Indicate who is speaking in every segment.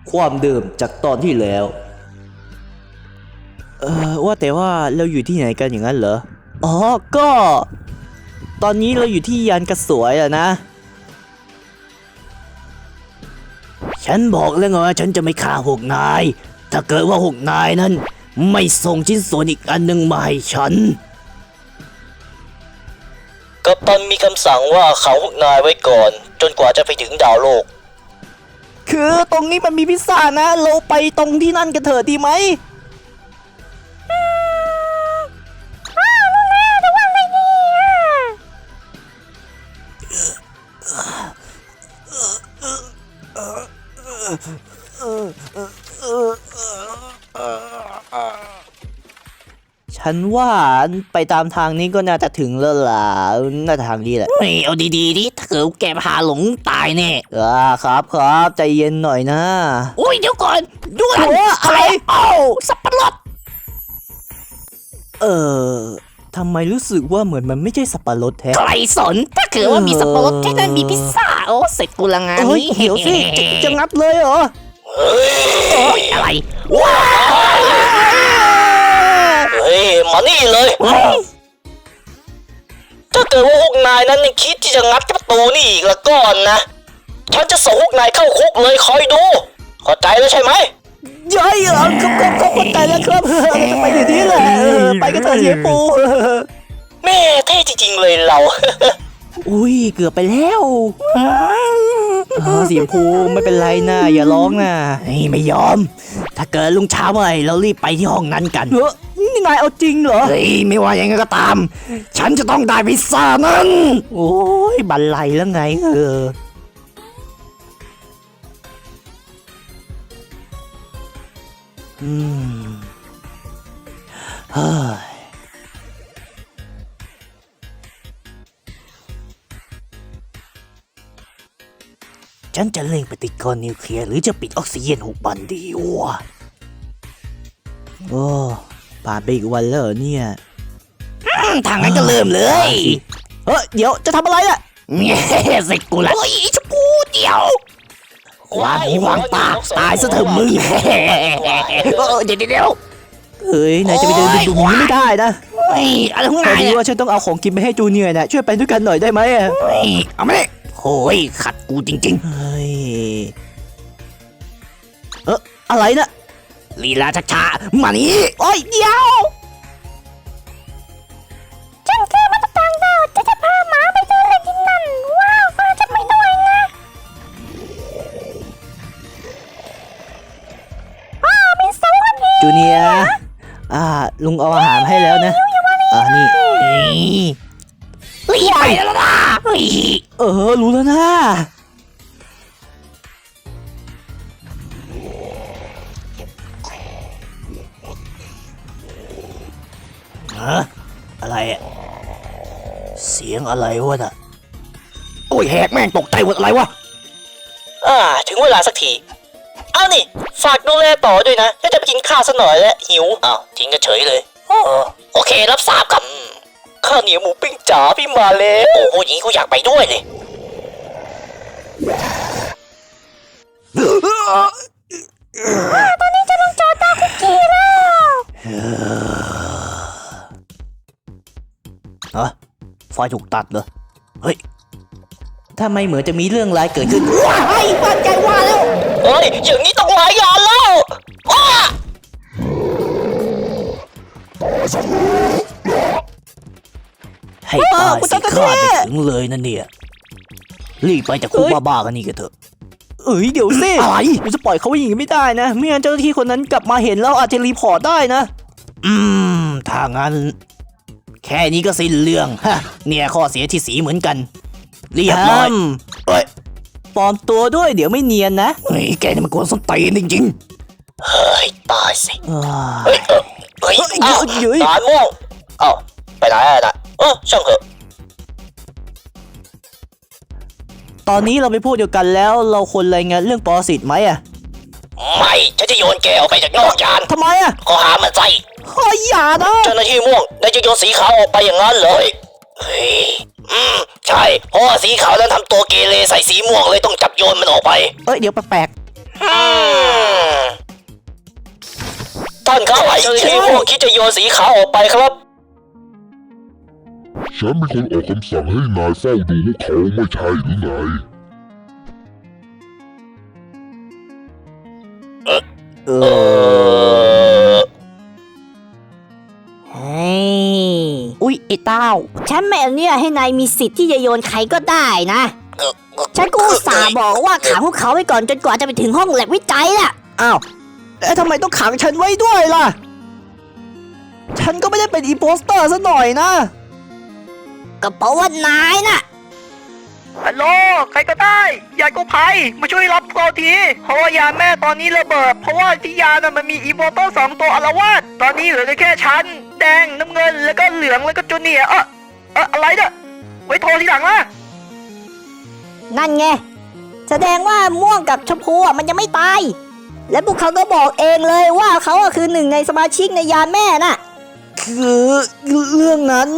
Speaker 1: ความเดิมจากตอนที่แล้วว่าแต่ว่าเราอยู่ที่ไหนกันอย่างนั้นเหรออ๋อก็ตอนนี้เราอยู่ที่ยานกระสวยอะนะฉันบอกแล้วไงว่าฉันจะไม่ฆ่าพวกนายถ้าเกิดว่าพวกนายนั้นไม่ส่งชิ้นส่วนอีกอันหนึ่งมาให้ฉันกัปตันมีคำสั่งว่าขังพวกนายไว้ก่อนจนกว่าจะไปถึงดาวโลกคือตรงนี้มันมีพิซซ่านะเราไปตรงที่นั่นกันเถอะดีไหมฉันว่าไปตามทางนี้ก็น่าจะถึงแล้วล่ะน่าจะทางนี้แหละเอาดีๆดิถ้าเกิดแกพาหลงตายแน่ครับใจเย็นหน่อยนะโอ้ยเดี๋ยวก่อนดูอะไรสับปะรดทำไมรู้สึกว่าเหมือนมันไม่ใช่สับปะรดแท้
Speaker 2: ใครสนถ้าเกิดว่ามีสับปะรดที่นั่นมีพิซซ่าโอ้เสร็จกูละงานนี้
Speaker 1: เดี๋ยวสิจะงับเลยเหรอ
Speaker 2: อะไร
Speaker 1: ว้าเฮ้ยมานี่เลยถ้าเกิดว่าพวกนายนั้นยังคิดที่จะงัดประตูนี่อีกละก่อนนะฉันจะส่งพวกนายเข้าคุกเลยคอยดูเข้าใจแล้วใช่ไหมย้อยครับเข้าใจแล้วครับจะไปอยู่ที่แหละไปกันเถอะเฮียปูแม่เท่จริงๆเลยเราอุ้ยเกือบไปแล้วเสียงภูไม่เป็นไรนะอย่าร้องนะไม่ยอมถ้าเกิดลุงเช้าเมื่อไหร่เรารีบไปที่ห้องนั้นกันนี่นายเอาจริงเหรอเฮ้ยไม่ว่ายังไงก็ตามฉันจะต้องได้พิซซ่านั้นโอ้ยบันไลแล้วไงเฮ้ยฉันจะเร่งปฏิกรณ์นิวเคลียร์หรือจะปิดออกซิเจน6 วันดีวะโอ้ผ่านไปอีกวันแล้วเนี่ย
Speaker 2: ทางนั้นก็เริ่มเลย
Speaker 1: เดี๋ยวจะทำอะไรล่ะ
Speaker 2: เสร็จกูละโอ้ยชกูเดี๋ยวความหูวางตาตายซะเถอะมึงเดี๋ยว
Speaker 1: เฮ้ยนายจะไปเดินดูนี้ไม่ได้นะ
Speaker 2: อะไรของนาย
Speaker 1: ว่าฉันต้องเอาของกินไปให้จูเนียร์นะช่วยไปด้วยกันหน่อยได้ไหม
Speaker 2: เอามาเลยโอ้ยขัดกูจริง
Speaker 1: ๆเฮ้ยอะไรนะ
Speaker 2: ลีลาช้าๆมานี่
Speaker 1: โอ้ยเดี๋ยว
Speaker 3: ฉันคือมนุษย์ต่างดาวจะพาหมาไปเดินเล่นที่นั่นว้าวฟังฉันไปด้วยนะมีสวัสดี
Speaker 1: จูเนียร์ลุงเอาอาหารให้แล้วนะนี่
Speaker 2: รีบไปแล้วนะ
Speaker 1: รู้แล้วนะอะไรเสียงอะไรวะน่ะ
Speaker 2: โอ้ยแหกแม่งตกใจหมดอะไรวะ
Speaker 1: ถึงเวลาสักทีเอานี่ฝากดูแลต่อด้วยนะจะไปกินข้าวซะหน่อยแล้วหิวทิ้งกันเฉยเลย
Speaker 2: โอเครับทราบครับ
Speaker 1: ข้าวเหนียวหมูปิ้งจ๋าพี่มาแล้ว
Speaker 2: โอ้โหอย่างนี้กูอยากไปด้วยเลย
Speaker 3: ตอนนี้จะลงจอตาคุกกี้แล้ว
Speaker 1: ไฟถูกตัดเหรอเฮ้ยถ้าไม่เหมือนจะมีเรื่องร้ายเกิดขึ้น
Speaker 2: ว้ายบ้านใจว่าแล้ว
Speaker 1: เฮ้ยอย่างนี้ต้องหลายอย่างแล้วให้ตายสิข้าไม่ถึงเลยนั่นเนี่ยรีบไปจากคุกบ้าๆกันนี่กันเถอะเดี๋ยวสิ
Speaker 2: อะไร
Speaker 1: กูจะปล่อยเขาอย่างนี้ไม่ได้นะไม่งั้นเจ้าหน้าที่คนนั้นกลับมาเห็นแล้วอาจจะรีพอร์ตได้นะถ้างั้นแค่นี้ก็สิ้นเรื่องฮะเนี่ยข้อเสียที่สีเหมือนกันเรียบร้อยปลอมตัวด้วยเดี๋ยวไม่เนียนนะ
Speaker 2: แกนี่มันกวนส้นตีนจริง
Speaker 1: ๆเฮ้ยตายสิตาม่วงไปไหนอ่ะช่างเถอะตอนนี้เราไปพูดเดียวกันแล้วเราควรรายงานเรื่องปรสิตไหมไม่ฉันจะโยนแกออกไปจากนอกยานทำไมข้อหามันใจอย่านะเจ้าหน้าที่ม่วงนายจะโยนสีขาวออกไปอย่างนั้นเลยใช่เพราะว่าสีขาวนั้นทำตัวเกเรใส่สีม่วงเลยต้องจับโยนมันออกไปเดี๋ยวแปลกานครับเจ้าหน้าที่พวกคิดจะโยนสีขาวออกไปครับ
Speaker 4: ฉันเป็นคนออกคำสั่งให้นายเฝ้าดูพวกเขาไม่ใช่หรือไง
Speaker 2: เออเฮ้ยอุ๊ยไอ้เต้า
Speaker 3: ฉันไม่อนุญาตให้นายมีสิทธิ์ที่จะโยนใครก็ได้นะ ฉันก็อุตส่าห์บอกว่าขังพวกเขาไว้ก่อนจนกว่าจะไปถึงห้องแลบวิจัยน่ะ
Speaker 5: อ้าวแล้วทำไมต้องขังฉันไว้ด้วยล่ะ ฉันก็ไม่ได้เป็นอีโปสเตอร์ซะหน่อยนะ
Speaker 3: ก็เพราะว่านายน่ะ
Speaker 6: ฮัลโหลใครก็ได้ยายกู้ภัยมาช่วยรับเราทีเพราะว่ายานแม่ตอนนี้ระเบิดเพราะว่าที่ยานน่ะมันมีอีโวโต้2 ตัวอาละวาดตอนนี้เหลือแค่ชั้นแดงน้ำเงินแล้วก็เหลืองแล้วก็จูเนียร์อะไรเนี่ยไว้โทรทีหลังนะ
Speaker 3: นั่นไง แสดงว่าม่วงกับชมพูอ่ะมันยังไม่ตาย และพวกเขาก็บอกเองเลยว่าเขาอ่ะคือหนึ่งในสมาชิกในยานแม่น่ะ
Speaker 5: คือเรื่องนั้น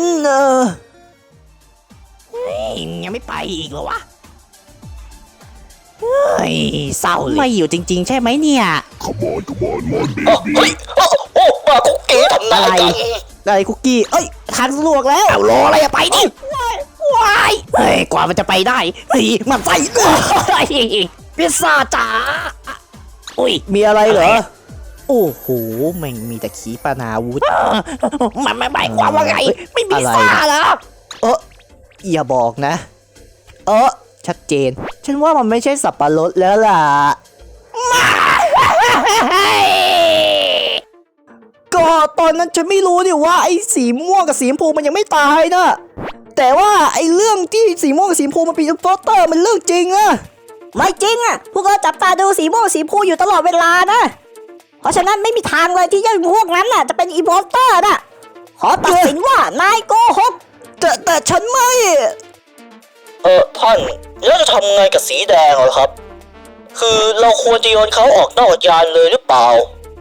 Speaker 2: ยังไม่ไปอีกเหรอวะ เฮ้ยเศร้าเลยไม่อยู่จริง ๆ ใช่ไหมเนี่ย
Speaker 1: เฮ้ยมาคุกกี้ทำนายกัน
Speaker 5: อะไรคุกกี้ เอ้ยทางสะดวกแล้ว
Speaker 2: เอารออะไรอะไปดิว้ายเฮ้ยกว่ามันจะไปได้เฮ้ยมันใส่พิซซ่าจ๋าอุ้ย
Speaker 5: มีอะไรเหรอ โอ้โหแม่งมีแต่ขีปนาวุธ
Speaker 2: มันไม่หมายความว่าไง ไม่มี
Speaker 5: อะไร
Speaker 2: ซ่า
Speaker 5: นะ
Speaker 2: เหรอ
Speaker 5: อย่าบอกนะ ชัดเจน ฉันว่ามันไม่ใช่สับปะรดแล้วล่ะ ก็ตอนนั้นฉันไม่รู้ดิว่าไอ้สีม่วงกับสีชมพูมันยังไม่ตายนะ แต่ว่าไอ้เรื่องที่สีม่วงกับสีชมพูมันเป็นอิมโพสเตอร์มันเรื่องจริงอะ
Speaker 3: ไม่จริงอ่ะ พวกเราจับตาดูสีม่วงสีชมพูอยู่ตลอดเวลานะ เพราะฉะนั้นไม่มีทางเลยที่จะพวกนั้นน่ะจะเป็นอีโพสเตอร์น่ะ ขอตัดสินว่านายโกหก
Speaker 5: แต่ฉันไม่
Speaker 1: ท่านแล้วจะทำไงกับสีแดงเหรอครับ คือเราควรจะโยนเขาออกนอกยานเลยหรือเปล่า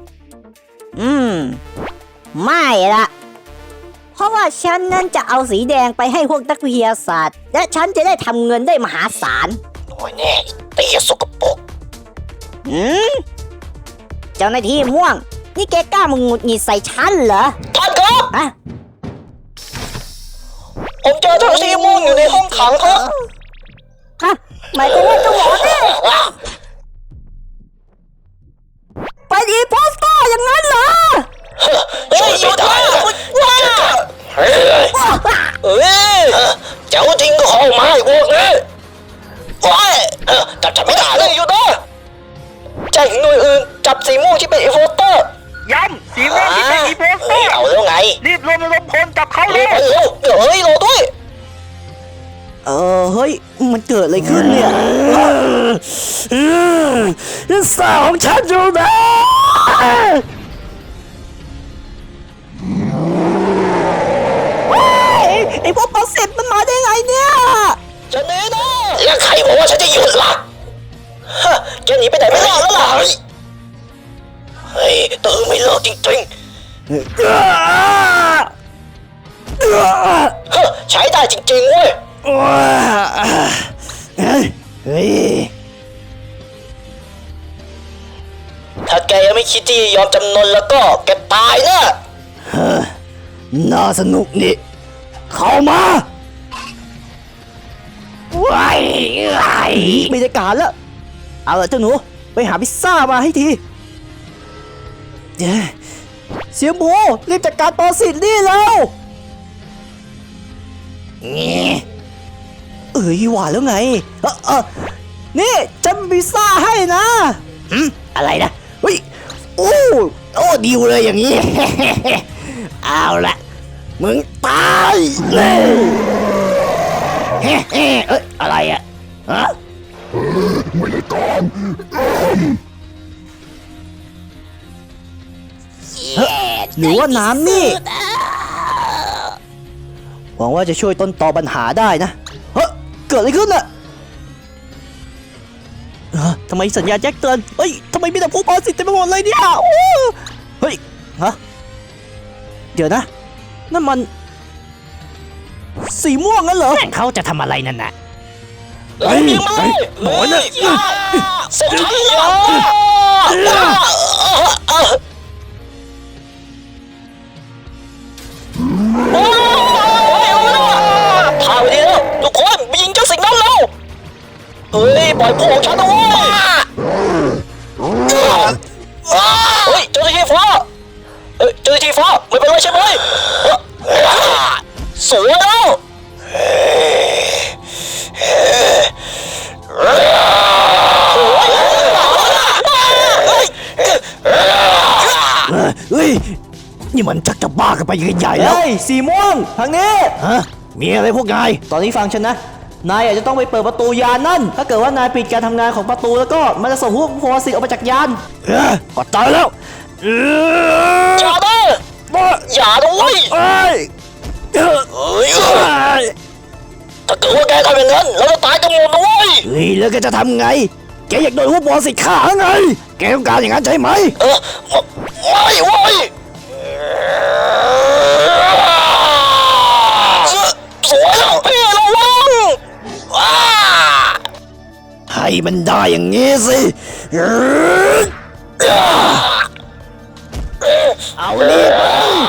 Speaker 3: ไม่ละเพราะว่าฉันนั้นจะเอาสีแดงไปให้พวกนักวิทยาศาสตร์ และฉันจะได้ทำเงินได้มหาศาล
Speaker 1: โอ้ยแน่เตี้ยสกปรก
Speaker 3: เจ้าหน้าที่ม่วง นี่แกกล้ามาหงุดหงิดใส่ฉันเหรอ
Speaker 1: ท่านครับ
Speaker 3: ฮะ
Speaker 1: ผมเจอเจ้าหน้าที่ม่วงอยู่ในห้องขังครับ
Speaker 3: ฮะหมายความว่าเจ้าหมอเนี่ยไปดีโพสเตอร์อย่างนั้นเหรอ
Speaker 1: ช่วยไม่ได้ว้าเฮ้ยเจ้าจริงก็เข้ามาไอ้พวกนี้โอ้ยจับฉันไม่ได้เลยอยู่นะแจ้งถึงหน่วยอื่นจับสีม่วงที่เป็นอีโฟเตอร์
Speaker 6: ย้ำสีม่วงที่เป็นอีโวโต้
Speaker 1: เอาแล้วไง
Speaker 6: รีบรวมพลจับเขา
Speaker 1: เร็
Speaker 6: เล
Speaker 1: วย เดี๋ยวเฮ้ยรอด้วย
Speaker 5: เฮ้ย มันเกิดอะไรขึ้นเนี่ย
Speaker 2: สาวของฉันอยู่นะ
Speaker 5: ไอ้พวกปรสิตมันมาได้ไงเนี่ย
Speaker 1: จะหนีนะแล้วใครบอกว่าฉันจะหยุดล่ะฮะแกหนีไปไหนไม่รอดแล้วล่ะเฮ้ยตื่นไม่เลิกจริงๆฮะใช้ได้จริงๆเว้ย
Speaker 2: เฮ้ย
Speaker 1: ถ้าแกยังไม่คิดที่จะยอมจำนนแล้วก็แกตายนะ
Speaker 2: น่าสนุกนี่ เข้ามาว้าย
Speaker 5: บรรยากาศแล้ว เอาละเจ้าหนู ไปหาพิซซ่ามาให้ทีเสียหมูรีบจัดการปรสิตนี่แล้ว
Speaker 2: นี่
Speaker 5: หวานแล้วไง นี่ฉันมีพิซซ่าให้นะ
Speaker 2: อะไรนะ
Speaker 5: เฮ้ย
Speaker 2: โอ้ดิวเลยอย่างนี้ เอาละมึงตายเลยเฮ้เอ้ยอะไรอะฮะ
Speaker 5: หรือว่าน้ำนี่ หวังว่าจะช่วยต้นตอปัญหาได้นะ เกิดอะไรขึ้นน่ะทำไมสัญญาณแจ้งเตือน เฮ้ย ทำไมมีแต่ผู้ปรสิตเต็มไปหมดเลยเนี่ยโอ้เฮ้ย เดี๋ยวนะ นั่นมัน สีม่วงงั้นเหรอ
Speaker 2: เขาจะทำอะไรนั่นน่ะ
Speaker 1: เฮ้ยยิงมาเลย
Speaker 2: หมอน่ะ
Speaker 1: เสร็จฉันแล้วปล่อยพวกฉันด้วยเฮ้ยเจ้าหน้าที่ฟ้าเจ้าหน้าที่ฟ้าไม่เป็นไรใช่ไหมสวยแล้ว
Speaker 2: เฮ้ย นี่มันชักจะบ้ากันไปใหญ่ๆแล้ว
Speaker 5: เฮ้ยสีม่วงทางนี้
Speaker 2: ฮะ มีอะไรพวกนาย
Speaker 5: ตอนนี้ฟังฉันนะ นายอาจจะต้องไปเปิดประตูยานนั่น ถ้าเกิดว่านายปิดการทำงานของประตูแล้วก็มันจะส่งพวกโพสิตออกมาจากยาน
Speaker 2: ก็ตายแล้ว
Speaker 1: อย่านะอย่าด้วย
Speaker 2: เอ้ย
Speaker 1: ถ้าเกิดว่าแกทำอย่างนั้นเราจะตายกันหมดด้วย
Speaker 2: เฮ้ย แล้วแกจะทำไง แกอยากโดนหัวบอสิฆ่าไง แกต้องการอย่างนั้นใช่ไหม
Speaker 1: ไม่เว้ยสวยแล้วพี่ระวัง
Speaker 2: ให้มันได้อย่างงี้สิ เอานี่ไป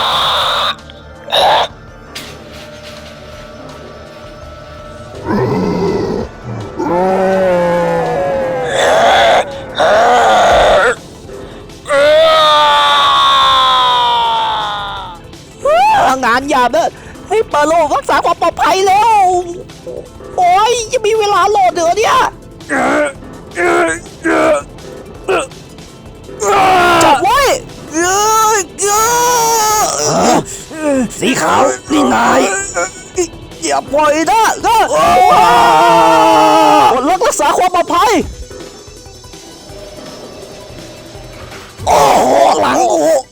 Speaker 5: งานหยาบเนอะให้เปิดโลกรักษาความปลอดภัยแล้ว โอ้ยยังมีเวลาโหลดเหรอเนี่ยจับไว้
Speaker 2: สีขาว นี่นาย
Speaker 5: อย่าปล่อยนะกดรักษาความปลอดภัย
Speaker 2: หลัง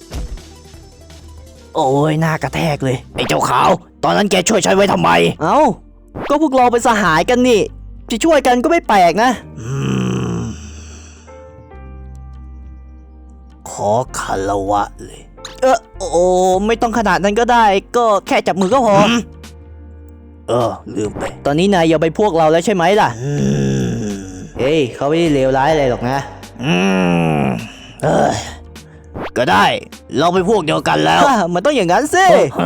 Speaker 2: โอ้ยหน้ากระแทกเลย ไอ้เจ้าขาว ตอนนั้นแกช่วยฉันไว้ทำไม
Speaker 5: เอ้า ก็พวกเราเป็นสหายกันนี่ จะช่วยกันก็ไม่แปลกนะ
Speaker 2: ขอคารวะเลย
Speaker 5: โอ้ไม่ต้องขนาดนั้นก็ได้ ก็แค่จับมือก็พอ
Speaker 2: ลืมไป
Speaker 5: ตอนนี้นายอย่าไปพวกเราแล้วใช่ไหมล่ะ เฮ้ยเขาไม่ได้เลวร้ายอะไรหรอกนะ
Speaker 2: ก็ได้ เราไปพวกเดียวกันแล้ว
Speaker 5: มันต้องอย่างนั้นสิ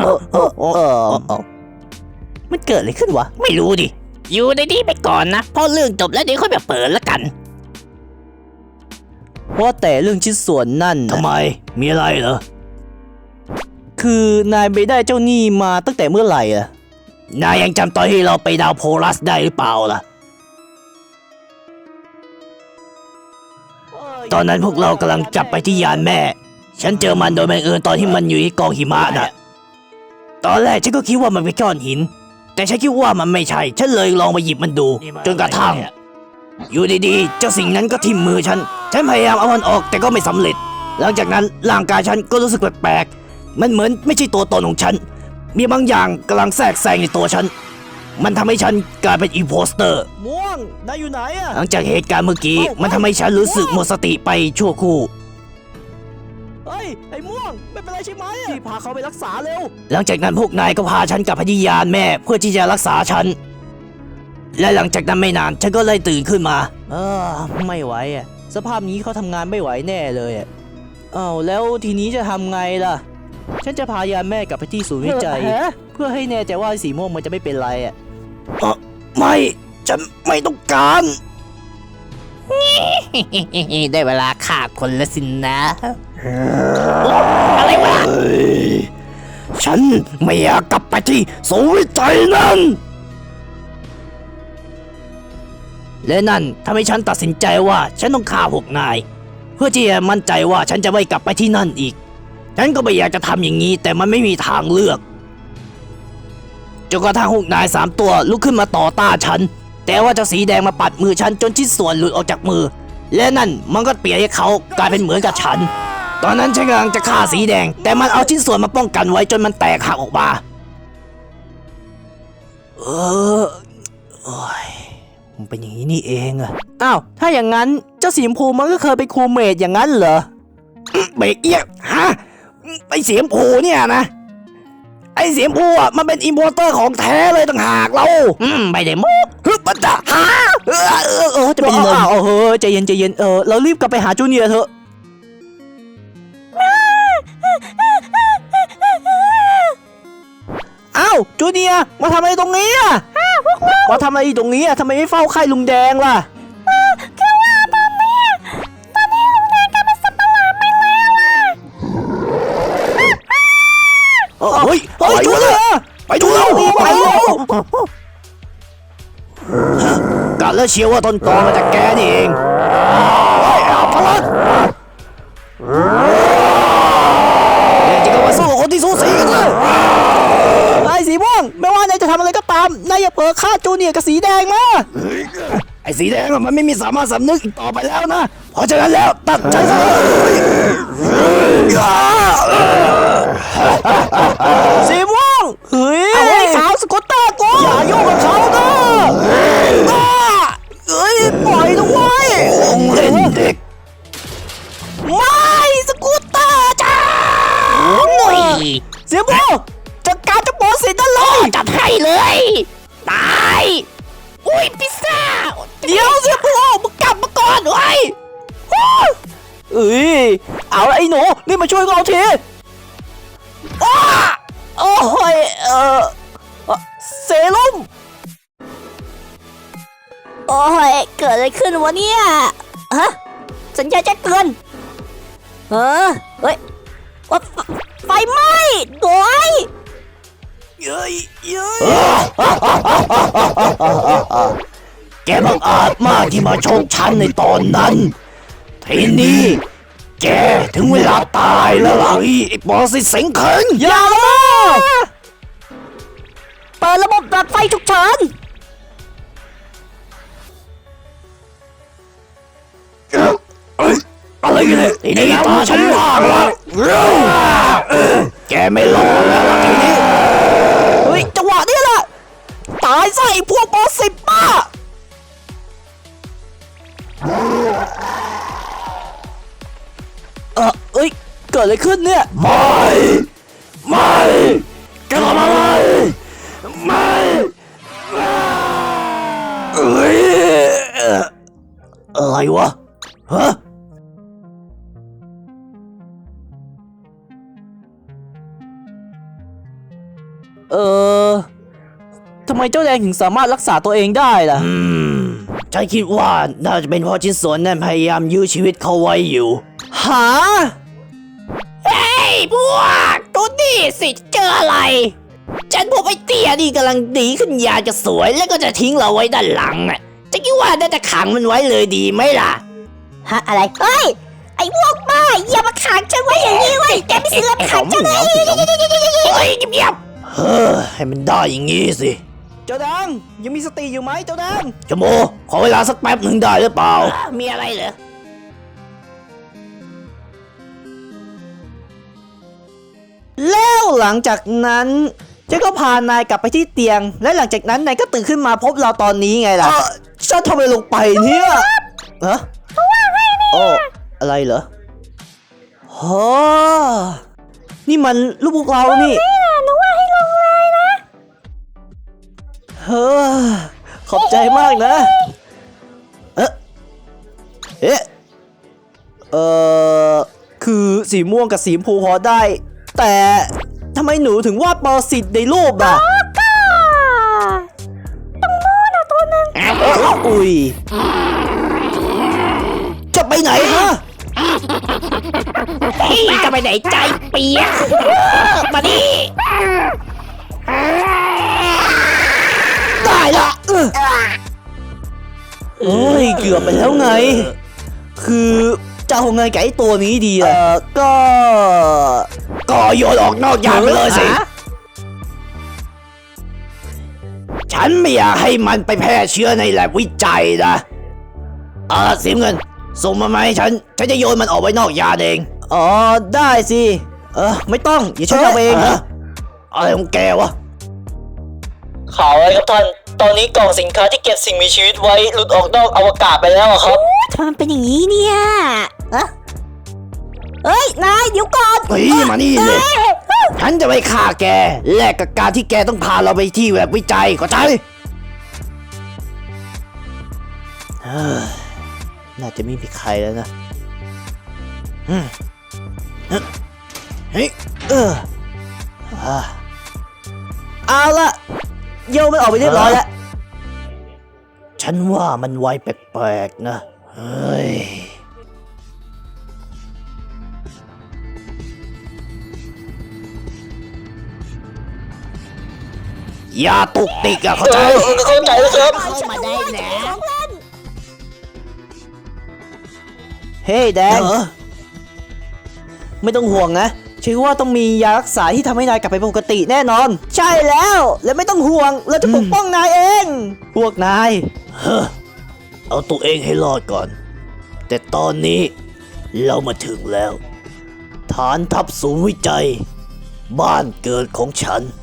Speaker 5: มันเกิดอะไรขึ้นวะ
Speaker 2: ไม่รู้ดิ อยู่ในนี้ไปก่อนนะ พอเรื่องจบแล้วเดี๋ยวค่อยมาเปิดแล้วกัน
Speaker 5: ว่าแต่เรื่องชิ้นส่วนนั่น
Speaker 2: ทำไม มีอะไรเหรอ
Speaker 5: คือนายไปได้เจ้าหนี้มาตั้งแต่เมื่อไหร่อะ
Speaker 2: นายยังจำตอนที่เราไปดาวโพลัสได้หรือเปล่าล่ะ ตอนนั้นพวกเรากำลังจับไปที่ยานแม่ ฉันเจอมันโดยบังเอิญตอนที่มันอยู่ที่กองหิมะน่ะ ตอนแรกฉันก็คิดว่ามันเป็นก้อนหิน แต่ฉันคิดว่ามันไม่ใช่ ฉันเลยลองไปหยิบมันดู จนกระทั่ง อยู่ดีๆ เจ้าสิ่งนั้นก็ทิ่มมือฉัน ฉันพยายามเอามันออกแต่ก็ไม่สำเร็จ หลังจากนั้นร่างกายฉันก็รู้สึกแปลกๆ มันเหมือนไม่ใช่ตัวตนของฉัน มีบางอย่างกำลังแทรกแซงในตัวฉัน มันทำให้ฉันกลายเป็นอิมโพสเตอร์
Speaker 5: ม่วง นายอยู่ไหนอะ
Speaker 2: หลังจากเหตุการณ์เมื่อกี้ มันทำให้ฉันรู้สึกหมดสติไปชั่วครู่
Speaker 5: เฮ้ย ไอ้ม่วง ไม่เป็นไรใช่ไหมที่พาเขาไปรักษาเร็ว
Speaker 2: หลังจากนั้นพวกนายก็พาฉันกลับไปที่ยานแม่เพื่อที่จะรักษาฉัน และหลังจากนั้นไม่นานฉันก็เลยตื่นขึ้นมา
Speaker 5: ไม่ไหวอะสภาพนี้เขาทำงานไม่ไหวแน่เลยอะอ้าวแล้วทีนี้จะทำไงล่ะ ฉันจะพายานแม่กลับไปที่ศูนย์วิจัย เพื่อให้แน่ใจว่าสีม่วงมันจะไม่เป็นไรอะ
Speaker 2: ไม่ ฉันไม่ต้องการ ได้เวลาฆ่าคนแล้วสินนะอะไรวะฉันไม่อยากกลับไปที่ศูนย์วิจัยนั่น และนั่นทำให้ฉันตัดสินใจว่าฉันต้องฆ่าพวกนาย เพื่อที่จะมั่นใจว่าฉันจะไม่กลับไปที่นั่นอีก ฉันก็ไม่อยากจะทำอย่างนี้แต่มันไม่มีทางเลือกจนกระทั่งพวกนาย3 ตัวลุกขึ้นมาต่อต้านฉัน แต่ว่าเจ้าสีแดงมาปัดมือฉันจนชิ้นส่วนหลุดออกจากมือ และนั่นมันก็เปลี่ยนให้เขากลายเป็นเหมือนกับฉัน ตอนนั้นฉันกำลังจะฆ่าสีแดง แต่มันเอาชิ้นส่วนมาป้องกันไว้จนมันแตกหักออกมามันเป็นอย่างนี้นี่เองอะ
Speaker 5: อ้าว ถ้าอย่างนั้นเจ้าสีชมพูมันก็เคยเป็นครูเมดอย่างนั้นเหรอ
Speaker 2: เบรกเอียกฮะไอเสียมผูเนี่ยนะ ไอเสียมผูอ่ะมันเป็นอิมโพอร์เตอร์ของแท้เลยต่างหากเราไม่ได้โม้ฮึบมันจะฮะ
Speaker 5: จะเป็นลมใจเย็นใจเย็นเรารีบกลับไปหาจูเนียร์เถอะ อ้าวจูเนียร์มาทำอะไรตรงนี้อ่ะมาทำอะไรตรงนี้อ่ะทำไมไม่เฝ้าไข้ลุงแดงล่ะ
Speaker 2: กะแล้วเชียวว่าต้นตอมาจากแกนี่เองเอาพลัดเดี๋ยวจะก็มาสู้กับคนที่สูสีกันเลย
Speaker 5: นายสีม่วงไม่ว่านายจะทำอะไรก็ตามนายอย่าเผลอฆ่าจูเนียร์กับสีแดงมา
Speaker 2: ไอ้สีแดงอะมันไม่มีสามารถสำนึกอีกต่อไปแล้วนะ เพราะฉะนั้นแล้วตัดใจซะ
Speaker 5: สีม่วงเฮ้ย
Speaker 3: เอาไอ้ขาวสกูตเตอร์กู
Speaker 5: อย่ายุ่งกับเขานะเฮ้ยปล่อยด้วย
Speaker 2: เล่นเด็ก
Speaker 5: ไม่สกูตเตอร์จ้าเสียม่วงจัดการเจ้าบอสเสร็จนั่นเลย
Speaker 3: จัดให้เลย ตาย อุ้ยพิซซ่า
Speaker 5: เดี๋ยวเสียม่วงมึงกลับมาก่อนไว้เอ้ยเอาละไอ้หนูนี่มาช่วยเราทีโอ้ยเซรุ่ม
Speaker 3: โอ้ยเกิดอะไรขึ้นวะเนี่ยฮะสัญญาณแจ้งเตือนเฮ้ยว่าไฟไหม้โดย
Speaker 5: เย้ย
Speaker 2: แกบังอาจมากที่มาชกฉันในตอนนั้น ทีนี้ แกถึงเวลาตายแล้วล่ะไอ้ปอสิเสงเขิง
Speaker 5: อย่าละ
Speaker 3: เปิดระบบดับไฟฉุกเฉิน
Speaker 2: อะไรกันเนี่ยทีนี้ตาฉันว่างแล้วแกไม่รอแล้วล่ะทีนี้
Speaker 5: เฮ้ยจังหวะนี้แหละตายซะไอ้พวกบอสสิบป้าเอ้ยเกิดอะไรขึ้นเนี่ย
Speaker 2: ไม่แกทำอะไรไม่เอ้ยอะไรวะฮะ
Speaker 5: ทำไมเจ้าแดงถึงสามารถรักษาตัวเองได้ล่ะ
Speaker 2: ฉันคิดว่าน่าจะเป็นเพราะชิ้นส่วนนั้นพยายามยื้อชีวิตเขาไว้อยู่
Speaker 5: หา
Speaker 3: เฮ้ยพวกตัวนี่สิเจออะไร ฉันพบไอ้เตี้ยนี่กำลังดีขึ้นอยากจะสวยแล้วก็จะทิ้งเราไว้ด้านหลังอ่ะจะคิดว่าน่าจะขังมันไว้เลยดีไหมล่ะฮะอะไรเฮ้ยไอ้พวกบ้าอย่ามาขังฉันไว้อย่างนี้เว้ยแกไม่เสือขังฉันเลยเฮ้ยเงียบ
Speaker 2: เฮ้อให้มันได้อย่างงี้สิ
Speaker 5: เจ้าแดงยังมีสติอยู่ไหมเจ้าแดง
Speaker 2: ชโมขอเวลาสักแป๊บหนึ่งได้หรือเปล่า
Speaker 3: มีอะไรเหรอ
Speaker 5: แล้วหลังจากนั้นฉันก็พานายกลับไปที่เตียง และหลังจากนั้นนายก็ตื่นขึ้นมาพบเราตอนนี้ไงล่ะฉันทำอะไรลงไปเนี่ยฮะโอ้อะไรเหรอโอ้นี่มันลูกพวกเรานี่หนูว่าให้ลงเลยนะเฮ้อขอบใจมากนะเอ๊ะคือสีม่วงกับสีชมพูพอได้ แต่ทำไมหนูถึงวาดปรสิตในรูปอ่ะตรงโน้นอ่ะตัวนึงอุ้ยจะไปไหนฮะ
Speaker 3: เฮ้ยจะไปไหนใจเปียกมาดิ
Speaker 5: ได้ละโอ้ยเกือบไปแล้วไง คือจะเอาไงกับไอ้ตัวนี้ดีอ่ะก็
Speaker 2: โยนออกนอกยานไปเลยสิ ฉันไม่อยากให้มันไปแพร่เชื้อในแลบวิจัยนะสีเงินส่งมาไหมาให้ฉันจะโยนมันออกไว้นอกยานเอง
Speaker 5: อ๋อได้สิไม่ต้องอย่าช่วยเอาเอง
Speaker 2: อะไรของแกวะ
Speaker 1: ข่าวอะไรครับท่าน ตอนนี้กล่องสินค้าที่เก็บสิ่งมีชีวิตไว้หลุดออกนอกอวกาศไปแล้วอะครับ
Speaker 3: ทำไมมันเป็นอย่างนี้เนี่ยเฮ้ยนายเดี๋ยวก่อน
Speaker 2: เฮ้ยมานี่เลย ฉันจะไปฆ่าแกแลกกับการที่แกต้องพาเราไปที่แลบวิจัยเข้าใจ
Speaker 5: น่าจะไม่มีใครแล้วนะ
Speaker 2: เฮ้ย
Speaker 5: เอาละโยมมันออกไปเรียบร้อยแล้ว
Speaker 2: ฉันว่ามันไวแปลกๆนะ เฮ้ยอย่าตุกติกอะเข้าใจ
Speaker 1: เข้าใจแล้วครับ
Speaker 3: เข้ามาได้นะ
Speaker 5: เฮ้ยแดง ไม่ต้องห่วงนะฉันว่าต้องมียารักษาที่ทำให้นายกลับไปปกติแน่นอน ใช่แล้ว และไม่ต้องห่วง เราจะปกป้องนายเอง พวกนาย
Speaker 2: เอาตัวเองให้รอดก่อน แต่ตอนนี้เรามาถึงแล้ว ฐานทัพศูนย์วิจัย บ้านเกิดของฉัน